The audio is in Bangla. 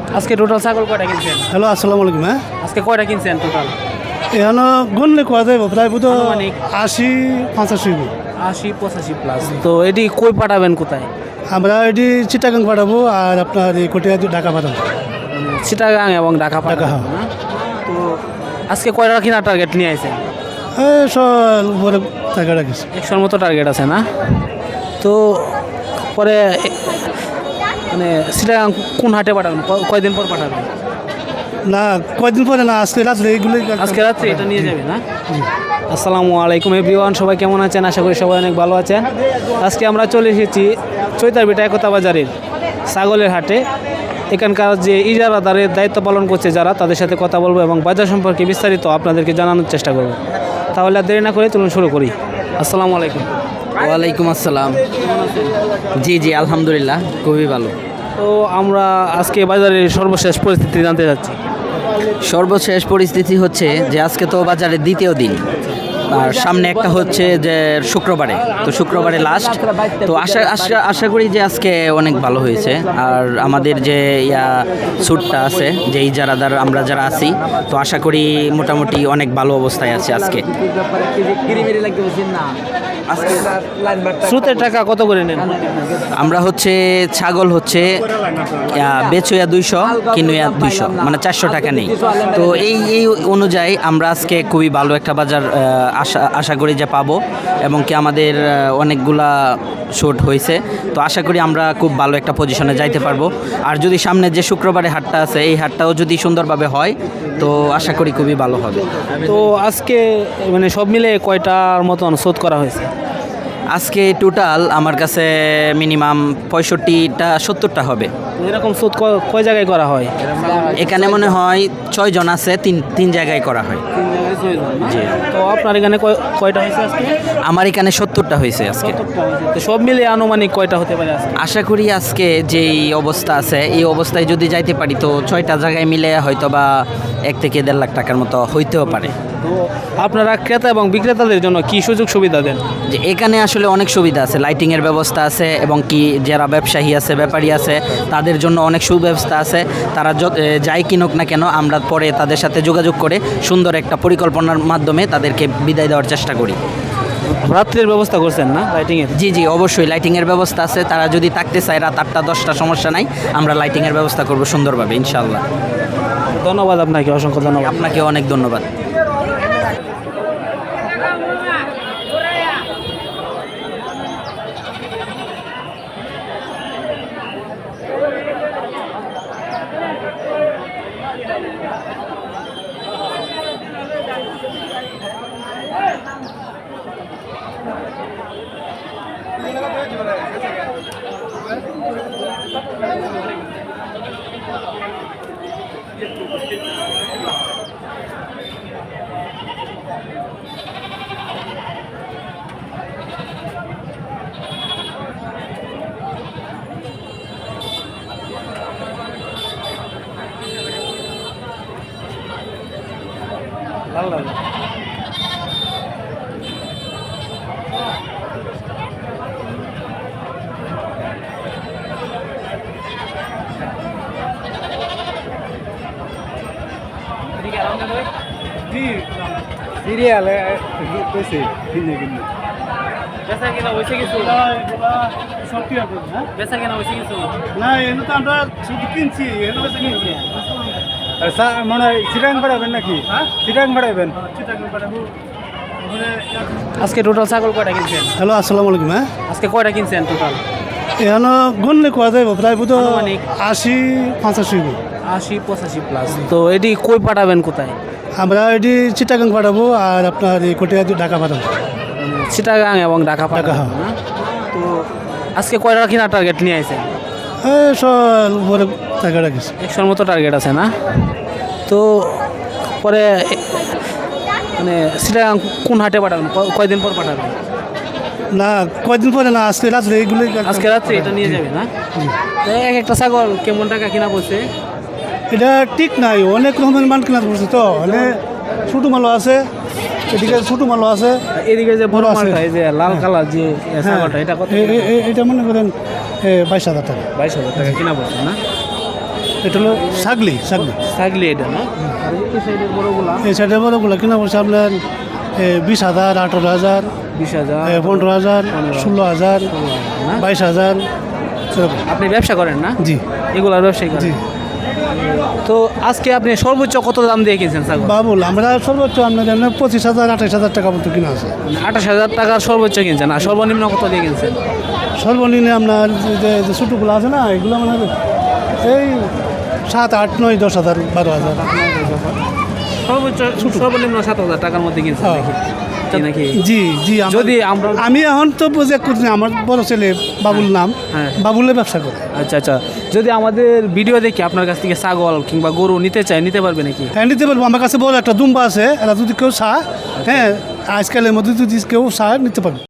আজকে টোটাল ছাগল কয়টা কিনছেন? হ্যালো, আসসালামু আলাইকুম। হ্যাঁ, আজকে কয়টা কিনছেন টোটাল? এখানে গুনলে কোয়া যাইব প্রায় বুধ আনুমানিক 80-85। 80-85 প্লাস। তো এটি কই পাঠাবেন কোথায়? আমরা এটি চিটাগাং পাঠাবো আর আপনার এই কোটিয়া ঢাকা পাঠাবো। চিটাগাং এবং ঢাকা পাঠাবেন না? তো আজকে কয়টা কিনা টার্গেট নিয়ে আইছেন? এই সব উপরে টাকা রাখিস। 100 মতো টার্গেট আছে না? তো পরে মানে চিটাগাং কোন হাটে পাঠাবেন? কয়দিন পর পাঠাবেন? না, কয়দিন পরে না, আজকে রাত্রে এইগুলোই। আজকে রাত্রে এটা নিয়ে যাবে না? আসসালামু আলাইকুম এভরিওয়ান, সবাই কেমন আছেন? আশা করি সবাই অনেক ভালো আছেন। আজকে আমরা চলে এসেছি চৈতারবিটা একতা বাজারের ছাগলের হাটে। এখানকার যে ইজারাদারের দায়িত্ব পালন করছে যারা, তাদের সাথে কথা বলবো এবং বাজার সম্পর্কে বিস্তারিত আপনাদেরকে জানানোর চেষ্টা করব। তাহলে আর দেরি না করে চলুন শুরু করি। আসসালামু আলাইকুম। ওয়ালাইকুম আসসালাম। কেমন আছেন? জি আলহামদুলিল্লাহ, খুবই ভালো। তো আমরা আজকে বাজারের সর্বশেষ পরিস্থিতি জানতে চাচ্ছি। সর্বশেষ পরিস্থিতি হচ্ছে যে আজকে তো বাজারের দ্বিতীয় দিন, আর সামনে একটা হচ্ছে যে শুক্রবারে, তো শুক্রবারে লাস্ট। তো আশা করি যে আজকে অনেক ভালো হয়েছে। আর আমাদের যে স্যুটটা আছে, যে ইজারাদার আমরা যারা আছি, তো আশা করি মোটামুটি অনেক ভালো অবস্থায় আছে আজকে। স্রোতের টাকা কত করে নেন? আমরা হচ্ছে ছাগল হচ্ছে বেচুয়া 200, কিনুয়া 200, মানে 400 টাকা নেই। তো এই অনুযায়ী আমরা আজকে খুবই ভালো একটা বাজার আশা করি যে পাবো, এবং কি আমাদের অনেকগুলা শর্ট হয়েছে। তো আশা করি আমরা খুব ভালো একটা পজিশনে যাইতে পারবো। আর যদি সামনে যে শুক্রবারে হাটটা আছে, এই হাটটাও যদি সুন্দরভাবে হয়, তো আশা করি খুবই ভালো হবে। তো আজকে মানে সব মিলে কয়টার মতন শোধ করা হয়েছে? আজকে টোটাল আমার কাছে মিনিমাম 65টা 70টা হবে। এরকম শোধ কয় জায়গায় করা হয়? এখানে মনে হয় 6 জন আছে, তিন জায়গায় করা হয়। জি। তো আপনার এখানে কয়টা হয়েছে আজকে? আমার এখানে 70টা হয়েছে আজকে। তো সব মিলে আনুমানিক কয়টা হতে পারে আজকে? আশা করি আজকে যেই অবস্থা আছে, এই অবস্থায় যদি যাইতে পারি, তো 6টা জায়গায় মিলে হয়তো বা 1 থেকে 1.5 লাখ টাকার মতো হইতেও পারে। তো আপনারা ক্রেতা এবং বিক্রেতাদের জন্য কি সুযোগ সুবিধা দেন? যে এখানে আসলে অনেক সুবিধা আছে, লাইটিংয়ের ব্যবস্থা আছে, এবং কি যারা ব্যবসায়ী আছে, ব্যাপারী আছে, তাদের জন্য অনেক সুব্যবস্থা আছে। তারা যাই কিনুক না কেন, আমরা পরে তাদের সাথে যোগাযোগ করে সুন্দর একটা পরিকল্পনার মাধ্যমে তাদেরকে বিদায় দেওয়ার চেষ্টা করি। রাত্রের ব্যবস্থা করছেন না লাইটিংয়ের? জি অবশ্যই লাইটিংয়ের ব্যবস্থা আছে। তারা যদি থাকতে চায় রাত 8টা 10টা, সমস্যা নাই, আমরা লাইটিংয়ের ব্যবস্থা করব সুন্দরভাবে ইনশাআল্লাহ। ধন্যবাদ আপনাকে, অসংখ্য ধন্যবাদ। আপনাকে অনেক ধন্যবাদ। ভালো লাগে। সিরিয়াল কইছে কিনে বেচা কেনা হয়েছে কিছু? সব কি হবে? হ্যাঁ, বেচা কেনা হয়েছে কিছু? না, এনে তো আমরা শুধু কিনছি, এনে বেশি কিনছি। মানে চিটাং বাড়াবেন নাকি? হ্যাঁ, চিটাং বাড়াবেন। আজকে টোটাল ছাগল কয়টা কিনছেন? হ্যালো, আসসালামু আলাইকুম। হ্যাঁ, আজকে কয়টা কিনছেন টোটাল? এখানে গুনলে কোয়া যাইব প্রায় বুধ আনুমানিক 80-85। 80-85 প্লাস। তো এটি কই পাঠাবেন কোথায়? আমরা এটি চিটাগাং পাঠাবো আর আপনার এই কোটিয়া ঢাকা পাঠাবো। চিটাগাং এবং ঢাকা পাঠাবেন না? তো আজকে কয়টা কিনা টার্গেট নিয়ে আইছেন? এই সব উপরে টাকা রাখিস। 100 মতো টার্গেট আছে না? তো পরে মানে চিটাগাং কোন হাটে পাঠাবেন? কয়দিন পর পাঠাবেন? না, কয়দিন পরে না, আজকে রাত্রে এইগুলোই। আজকে রাত্রে এটা নিয়ে যাবে না? তো এক একটা ছাগল কেমন টাকা কিনা পড়ছে? এটা ঠিক নাই, অনেক রকমের মান কিনা পড়ছে। তো মানে ছোটো মালও আছে, এদিকে ছোটো মালও আছে, এদিকে যে বড় আছে। মালটা, এই যে লাল কালার যে ছাগলটা, এটা কত? এটা মনে করেন 22,000 টাকা। 22,000 টাকা কিনা পড়ছে না? এটা হলো ছাগলি ছাগলি এটা না? আর এই সাইডের বড়গুলা এই সাইডে বড়গুলো কিনা বলছে আপনার 20,000, 18,000, 20,000, 15,000, 16,000, না? 22,000 এরকম। আপনি ব্যবসা করেন না? জি এগুলার ব্যবসায়ী করেন? জি তো আজকে আপনি সর্বোচ্চ কত দাম দিয়ে কিনছেন ছাগল? বাবুল আমরা সর্বোচ্চ আপনার 25,000, 28,000 টাকা মতো কিনা আছে। 28,000 টাকার সর্বোচ্চ কিনছেন, আর সর্বনিম্ন কত দিয়ে কিনছেন? সর্বনিম্ন আপনার যে ছোটোগুলো আছে না, এগুলো মানে এই 7, 8, 9, 10,000, 12,000। সর্বোচ্চ সর্বনিম্ন 7,000 টাকার মধ্যে কিনছেন হ্যাঁ। নাকি? নাকি জি জি যদি আমরা আমি এখন তো বুঝে করছি, আমার বড় ছেলে বাবুল নাম, হ্যাঁ। বাবুলে ব্যবসা করে। আচ্ছা আচ্ছা, যদি আমাদের ভিডিও দেখে আপনার কাছ থেকে ছাগল কিংবা গরু নিতে চায়, নিতে পারবে নাকি? হ্যাঁ নিতে পারবো, আমার কাছে বড় একটা দুম্বা আছে, এরা যদি কেউ চায়, হ্যাঁ আজকালের মধ্যে যদি কেউ চায় নিতে পারবে।